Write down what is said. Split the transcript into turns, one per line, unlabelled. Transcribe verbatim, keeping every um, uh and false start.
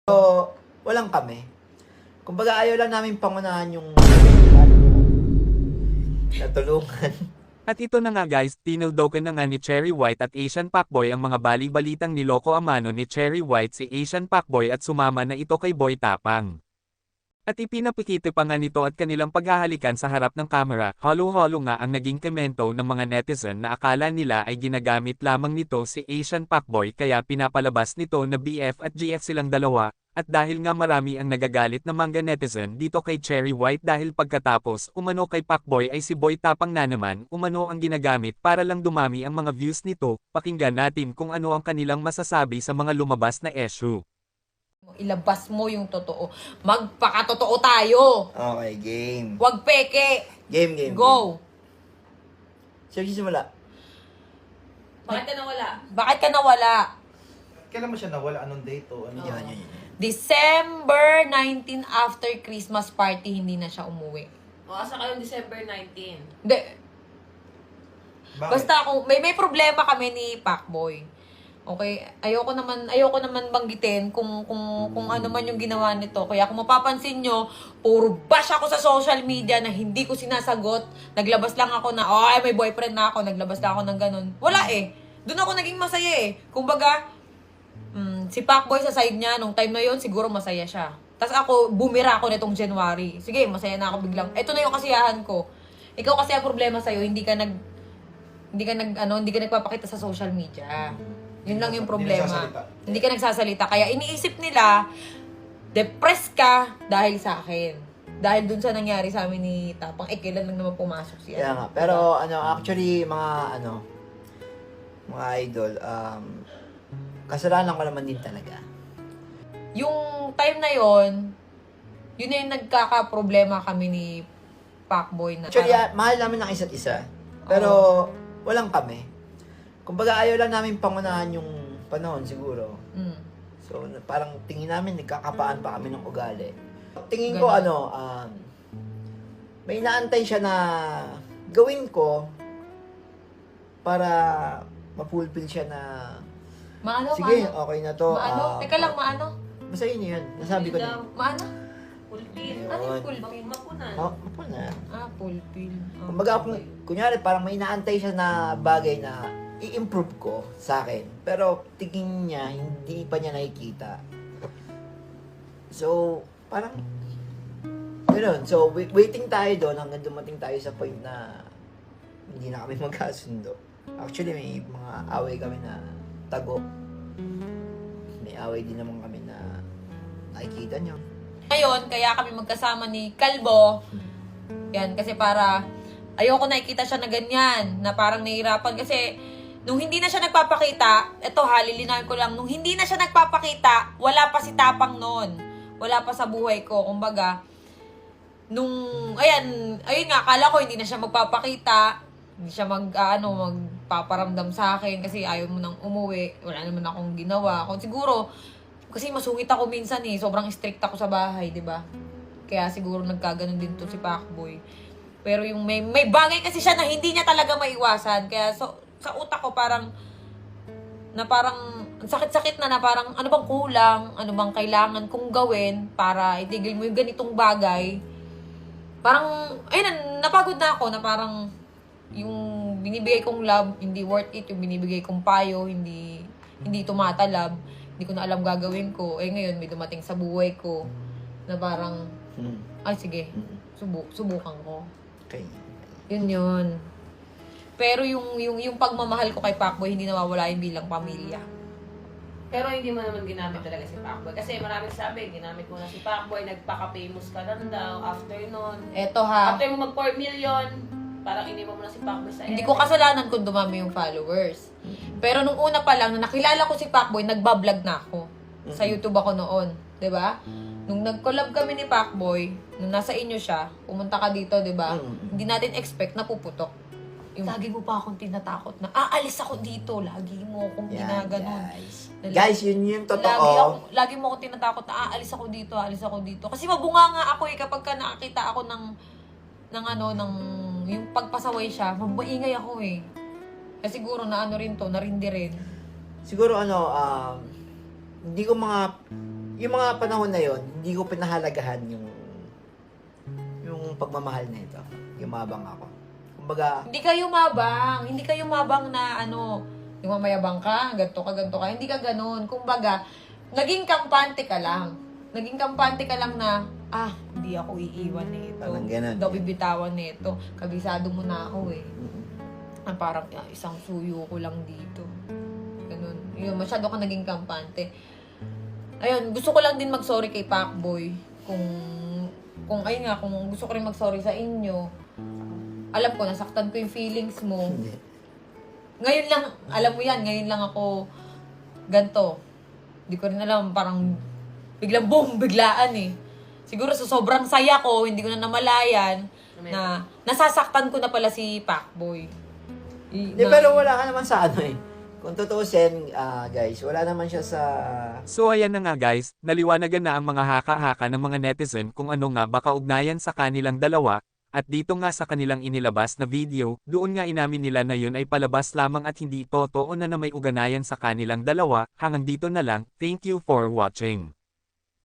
So, walang kami. Kumbaga ayaw lang namin pangunahan yung natulungan.
At ito na nga guys, tinildokan na nga ni Cherry White at Asian Pacboy ang mga bali-balitang niloko amano ni Cherry White si Asian Pacboy at sumama na ito kay Boy Tapang. At ipinapikiti pa nga nito at kanilang paghahalikan sa harap ng kamera, halo-halo nga ang naging komento ng mga netizen na akala nila ay ginagamit lamang nito si Asian Pacboy kaya pinapalabas nito na B F at G F silang dalawa, at dahil nga marami ang nagagalit na manga netizen dito kay Cherry White dahil pagkatapos umano kay Pacboy ay si Boy Tapang na naman umano ang ginagamit para lang dumami ang mga views nito, pakinggan natin kung ano ang kanilang masasabi sa mga lumabas na issue.
Ilabas mo yung totoo. Magpakatotoo tayo.
Okay, game.
Huwag peke.
Game, game.
Go.
Sino simula?
Bakit ka nawala? Bakit ka nawala?
Kailan mo siya nawala? Anong date o ano?
Yan, yan, yan.
December nineteenth after Christmas party, hindi na siya umuwi.
O, asa kayo December nineteenth?
Hindi.
Bakit?
Basta kung may may problema kami ni Pacboy. Okay, ayoko naman ayoko naman banggitin kung kung kung ano man yung ginawa nito. Kaya kung mapapansin nyo, puro bash ako sa social media na hindi ko sinasagot. Naglabas lang ako na, oh, may boyfriend na ako. Naglabas lang ako ng ganun. Wala eh. Doon ako naging masaya eh. Kumbaga, mm, si Pacboy sa side niya, nung time na yon siguro masaya siya. Tapos ako, bumira ako nitong January. Sige, masaya na ako biglang. Ito na yung kasiyahan ko. Ikaw kasi ang problema sa'yo, hindi ka nag, hindi ka nag, ano, hindi ka nagpapakita sa social media. Yun lang yung problema.
Hindi nagsasalita.
Hindi ka nagsasalita. Kaya iniisip nila, depressed ka dahil sa akin. Dahil dun sa nangyari sa amin ni Tapang, eh, kailan lang naman pumasok siya.
Kaya nga. Pero, ano, actually, mga, ano, mga idol, um, kasalanan ko naman din talaga.
Yung time na yon, yun na yung nagkaka-problema kami ni Pacboy na.
Actually, ah, mahal namin ang isa't isa. Pero, walang kami. Kumbaga ayaw lang namin pangunahan yung panahon siguro.
Mm.
So, na- parang tingin namin, nagkakapaan pa kami ng ugali. Tingin ko,
Ganun.
ano, um, may inaantay siya na gawin ko para mapulpil siya na,
Maano,
sige,
maano?
okay na to.
Maano?
ah,
Teka lang, maano?
Basta yun yun. Nasabi ko na.
Maano?
Pulpil.
Ayun.
Ano yung pulpil?
Mapunan.
Oh, mapo na.
Ah, pulpil. Ah,
Kumbaga, kung,
okay.
kunyari, parang may inaantay siya na bagay na i-improve ko sa akin. Pero, tingin niya, hindi pa niya nakikita. So, parang, gano'n. So, wait, waiting tayo doon hanggang dumating tayo sa point na hindi na kami magkasundo. Actually, may mga away kami na tago. May away din naman kami na nakikita niyo.
Ngayon, kaya kami magkasama ni Kalbo. Yan, kasi para ayoko nakikita siya na ganyan, na parang nahihirapan. Kasi nung hindi na siya nagpapakita, eto ha, lilinawin ko lang, nung hindi na siya nagpapakita, wala pa si Tapang noon. Wala pa sa buhay ko. Kumbaga, nung, ayan, ayun nga, akala ko hindi na siya magpapakita. Hindi siya mag, ah, ano, magpaparamdam sa akin kasi ayaw mo nang umuwi. Wala naman akong ginawa. Kung siguro, kasi masungit ako minsan eh. Sobrang strict ako sa bahay, di ba? Kaya siguro nagkaganon din to si Pacboy. Pero yung may, may bagay kasi siya na hindi niya talaga maiwasan. Kaya so, sa utak ko parang, na parang, ang sakit-sakit na na parang, ano bang kulang? Ano bang kailangan kong gawin para itigil mo yung ganitong bagay? Parang, ayun, napagod na ako na parang, yung binibigay kong love, hindi worth it. Yung binibigay kong payo, hindi, hindi tumatalab. Hindi ko na alam gagawin ko. Eh ngayon, may dumating sa buhay ko na parang,
Hmm.
ay sige,
Hmm.
subu subukan ko.
Okay.
Yun yun. Pero yung, yung, yung pagmamahal ko kay Pacboy, hindi nawawala yung bilang pamilya.
Pero hindi mo naman ginamit talaga si Pacboy. Kasi maraming sabi, ginamit mo na si Pacboy, nagpaka-famous ka lang daw after nun.
Eto ha,
After mo mag four million, parang iniwan mo na si Pacboy sa
hindi ko kasalanan kung dumami yung followers. Pero nung una pa lang, na nakilala ko si Pacboy, nagbablog na ako. Sa YouTube ako noon. 'Di ba? Nung nag-collab kami ni Pacboy, nung nasa inyo siya, pumunta ka dito, 'di ba?
Mm.
Hindi natin expect na puputok. Yung, lagi mo pa akong tinatakot na, aalis ako dito. Lagi mo akong
Yan,
ginaganon.
guys.
Lagi-
Guys, yun yung totoo.
Lagi, ako, lagi mo akong tinatakot na, aalis ako dito, aalis ako dito. Kasi mabunga nga ako eh, kapag ka nakakita ako ng, ng ano, ng, yung pagpasaway siya, mabaingay ako eh. Kasi siguro na ano rin to, narindi rin.
Siguro ano, um, hindi ko mga, yung mga panahon na yon hindi ko pinahalagahan yung, yung pagmamahal na ito. Yumabang ako. Kumbaga,
Hindi ka yumabang. Hindi ka yumabang na ano, yung mamayabang ka, ganto ka, ganto ka. Hindi ka ganun. Kumbaga, naging kampante ka lang. Naging kampante ka lang na, ah, hindi ako iiwan nito.
Parang ganun.
Hindi ako bibitawan nito. Kabisado mo na ako eh. Ah, parang ah, isang suyo ko lang dito. Ganun. Yun, masyado ka naging kampante. Ayun, gusto ko lang din mag-sorry kay Pacboy. Kung, kung ayun nga, kung gusto ko rin mag-sorry sa inyo, alam ko, nasaktan ko yung feelings mo.
hindi.
Ngayon lang, alam mo yan, ngayon lang ako ganto. Hindi ko rin alam, parang biglang boom, biglaan eh. Siguro sa sobrang saya ko, hindi ko na namalayan na nasasaktan ko na pala si Pacboy. I-
Hindi,
na-
pero wala ka naman sa ano eh. Kung tutuusin, ah, guys, wala naman siya sa...
So ayan na nga guys, naliwanagan na ang mga haka-haka ng mga netizen kung ano nga ba kaugnayan sa kanilang dalawa, at dito nga sa kanilang inilabas na video, doon nga inamin nila na yun ay palabas lamang at hindi totoo na na may uganayan sa kanilang dalawa. Hanggang dito na lang, thank you for watching.